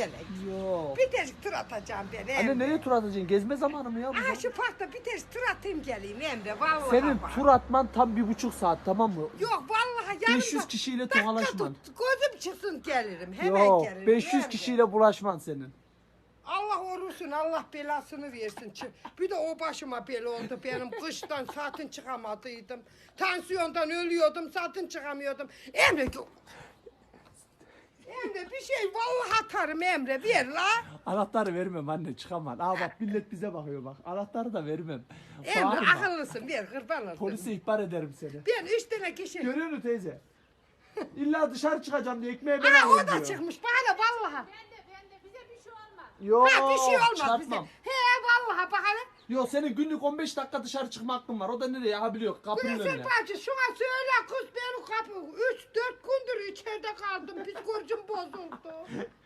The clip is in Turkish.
gelek. Yok. Bir de tur atacağım ben Emre. Anne nereye tur atacaksın? Gezme zamanı mı ya bu? Aha şu parkta bir de tur atayım geleyim Emre. Vallahi Senin bak. tur atman tam 1,5 saat, tamam mı? Yok vallahi yarın 500 kişiyle tokalaşman. Gözüm çıksın gelirim. Hemen Yok, gelirim. 500 Emre. kişiyle bulaşman senin. Allah orusun, Allah belasını versin. Bir de o başıma bela oldu benim. Kıştan zaten çıkamadıydım. Tansiyondan ölüyordum, zaten çıkamıyordum. Emre, Emre bir şey vallahi atarım Emre, ver la. Anahtarı vermem anne, çıkamam. Aa bak millet bize bakıyor bak. Anahtarı da vermem. Emre Bağırma. akıllısın, ver kurban olayım. Polise ihbar ederim seni. Ben 3 tane kişi. Görüyor musun teyze? İlla dışarı çıkacağım diye ekmeğe ben Ha alayım o da diyor. çıkmış bana vallahi. Ben de bize bir şey olmaz. Yok, Ha bir şey olmaz çarpmam. bize. He vallahi bak hele. Yok senin günlük 15 dakika dışarı çıkma hakkın var. O da nereye? Ha biliyor kapının Güneşin önüne. bacı şuna söyle kız benim kapı 3-4 gündür içeride kaldım. Psikolojim bozuldu.